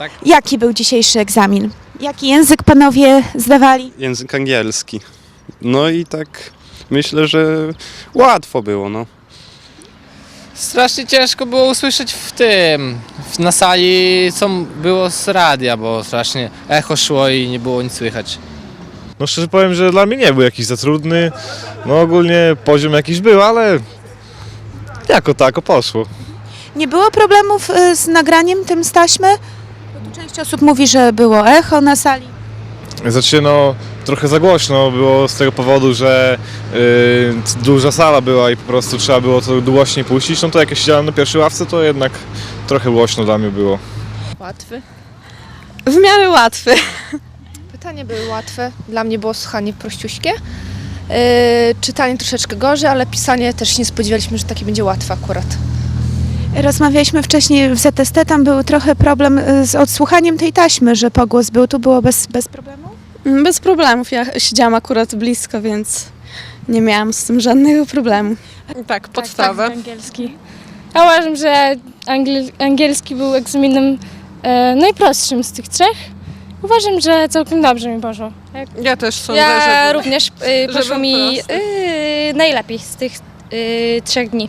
tak? Jaki był dzisiejszy egzamin? Jaki język panowie zdawali? Język angielski. No i tak myślę, że łatwo było, no. Strasznie ciężko było usłyszeć na sali, co było z radia, bo strasznie echo szło i nie było nic słychać. No szczerze powiem, że dla mnie nie był jakiś za trudny. No ogólnie poziom jakiś był, ale jako tako poszło. Nie było problemów z nagraniem tym z taśmy? Bo tu część osób mówi, że było echo na sali. Znaczy no trochę za głośno było z tego powodu, że duża sala była i po prostu trzeba było to głośniej puścić. No to jak ja siedziałem na pierwszej ławce, to jednak trochę głośno dla mnie było. Łatwy. W miarę łatwy. Pytania były łatwe. Dla mnie było słuchanie prościuśkie. Czytanie troszeczkę gorzej, ale pisanie też nie spodziewaliśmy, że takie będzie łatwe akurat. Rozmawialiśmy wcześniej w ZST, tam był trochę problem z odsłuchaniem tej taśmy, że pogłos był. Tu było bez problemu? Bez problemów. Ja siedziałam akurat blisko, więc nie miałam z tym żadnego problemu. Tak, podstawę. Tak, angielski. Ja uważam, że angielski był egzaminem najprostszym z tych trzech. Uważam, że całkiem dobrze mi poszło. Ja też sądzę, Ja że również poszło był mi prosty. najlepiej z tych 3 dni.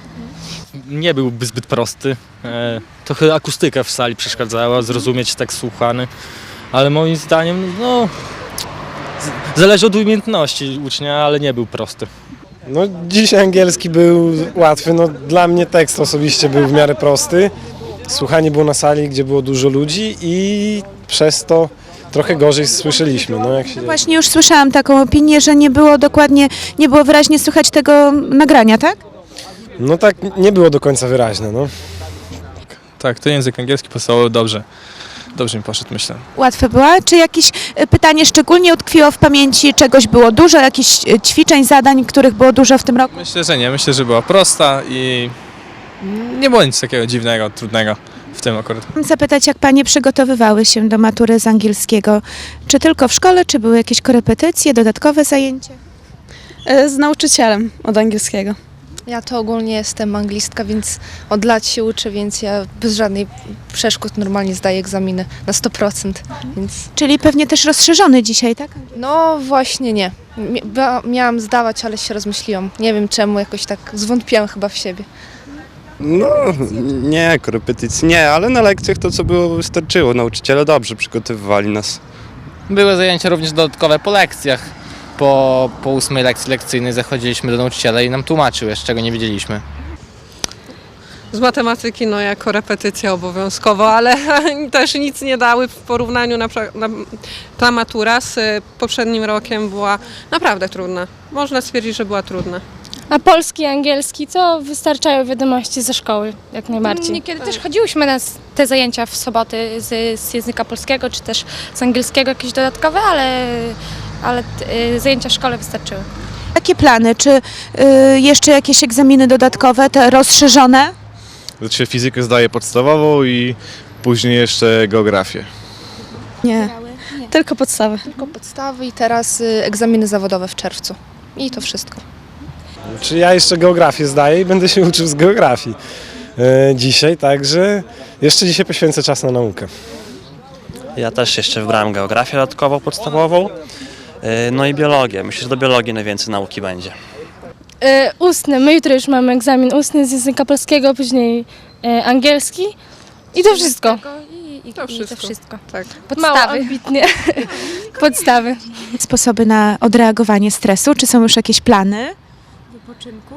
Nie był zbyt prosty. Trochę akustyka w sali przeszkadzała, zrozumieć tekst słuchany, ale moim zdaniem no, zależy od umiejętności ucznia, ale nie był prosty. No dzisiaj angielski był łatwy, no dla mnie tekst osobiście był w miarę prosty. Słuchanie było na sali, gdzie było dużo ludzi i przez to trochę gorzej słyszeliśmy. No, jak się Właśnie już słyszałam taką opinię, że nie było wyraźnie słychać tego nagrania, tak? No tak nie było do końca wyraźne, no. Tak, to język angielski podstawowy dobrze mi poszedł, myślę. Łatwe była? Czy jakieś pytanie szczególnie utkwiło w pamięci? Czegoś było dużo? Jakichś ćwiczeń, zadań, których było dużo w tym roku? Myślę, że nie. Myślę, że była prosta i nie było nic takiego dziwnego, trudnego w tym akurat. Chciałam zapytać, jak panie przygotowywały się do matury z angielskiego? Czy tylko w szkole, czy były jakieś korepetycje, dodatkowe zajęcia? Z nauczycielem od angielskiego. Ja to ogólnie jestem anglistka, więc od lat się uczę, więc ja bez żadnej przeszkód normalnie zdaję egzaminy na 100%. Więc Czyli pewnie też rozszerzony dzisiaj, tak? no właśnie nie. Miałam zdawać, ale się rozmyśliłam. Nie wiem czemu, jakoś tak zwątpiłam chyba w siebie. No, nie, korepetycji nie, ale na lekcjach to co było wystarczyło. Nauczyciele dobrze przygotowywali nas. Były zajęcia również dodatkowe po lekcjach. Po 8 lekcji lekcyjnej zachodziliśmy do nauczyciela i nam tłumaczył jeszcze, czego nie wiedzieliśmy. z matematyki jako repetycja obowiązkowo, ale też nic nie dały w porównaniu ta matura z poprzednim rokiem była naprawdę trudna. Można stwierdzić, że była trudna. A polski i angielski to wystarczają wiadomości ze szkoły, jak najbardziej. Niekiedy też chodziłyśmy na te zajęcia w soboty z języka polskiego, czy też z angielskiego jakieś dodatkowe, ale zajęcia w szkole wystarczyły. Jakie plany? Czy jeszcze jakieś egzaminy dodatkowe, te rozszerzone? Znaczy fizykę zdaję podstawową i później jeszcze geografię. Nie, tylko podstawy. Tylko podstawy i teraz egzaminy zawodowe w czerwcu. I to wszystko. Czy ja jeszcze geografię zdaję i będę się uczył z geografii dzisiaj, także jeszcze dzisiaj poświęcę czas na naukę. Ja też jeszcze wybrałem geografię dodatkową, podstawową, no i biologię. Myślę, że do biologii najwięcej nauki będzie. Ustny. My jutro już mamy egzamin ustny z języka polskiego, później angielski i to wszystko. To I to wszystko. Tak. Mało ambitnie. Podstawy. Sposoby na odreagowanie stresu? Czy są już jakieś plany? Wypoczynku?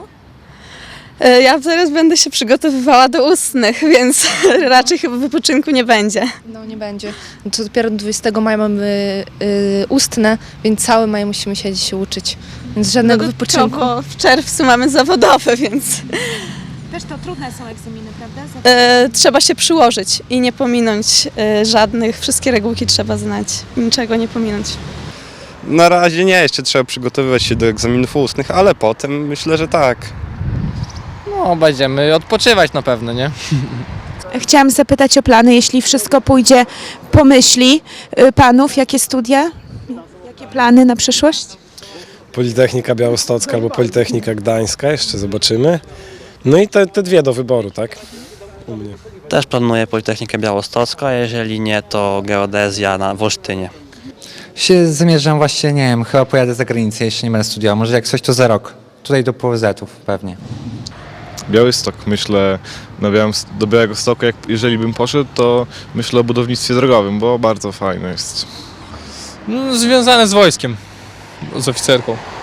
Ja teraz będę się przygotowywała do ustnych, więc raczej chyba wypoczynku nie będzie. No nie będzie. No to dopiero 20 maja mamy ustne, więc cały maj musimy siedzieć się uczyć. Więc żadnego wypoczynku. Bo w czerwcu mamy zawodowe, więc Też to trudne są egzaminy, prawda? trzeba się przyłożyć i nie pominąć żadnych. Wszystkie regułki trzeba znać, niczego nie pominąć. Na razie nie, jeszcze trzeba przygotowywać się do egzaminów ustnych, ale potem myślę, że tak. No, będziemy odpoczywać na pewno, nie? Chciałam zapytać o plany, jeśli wszystko pójdzie po myśli panów, jakie studia? Jakie plany na przyszłość? Politechnika Białostocka albo Politechnika Gdańska, jeszcze zobaczymy. No i te dwie do wyboru, tak? u mnie. Też planuję Politechnikę Białostocką, a jeżeli nie, to geodezja w Olsztynie. Zamierzam właśnie, nie wiem, chyba pojadę za granicę, jeszcze nie będę studiował. Może jak coś to za rok. Tutaj do PWZ-ów pewnie. Białystok, myślę, do Białegostoku, jeżeli bym poszedł, to myślę o budownictwie drogowym, bo bardzo fajne jest. No, związane z wojskiem, z oficerką.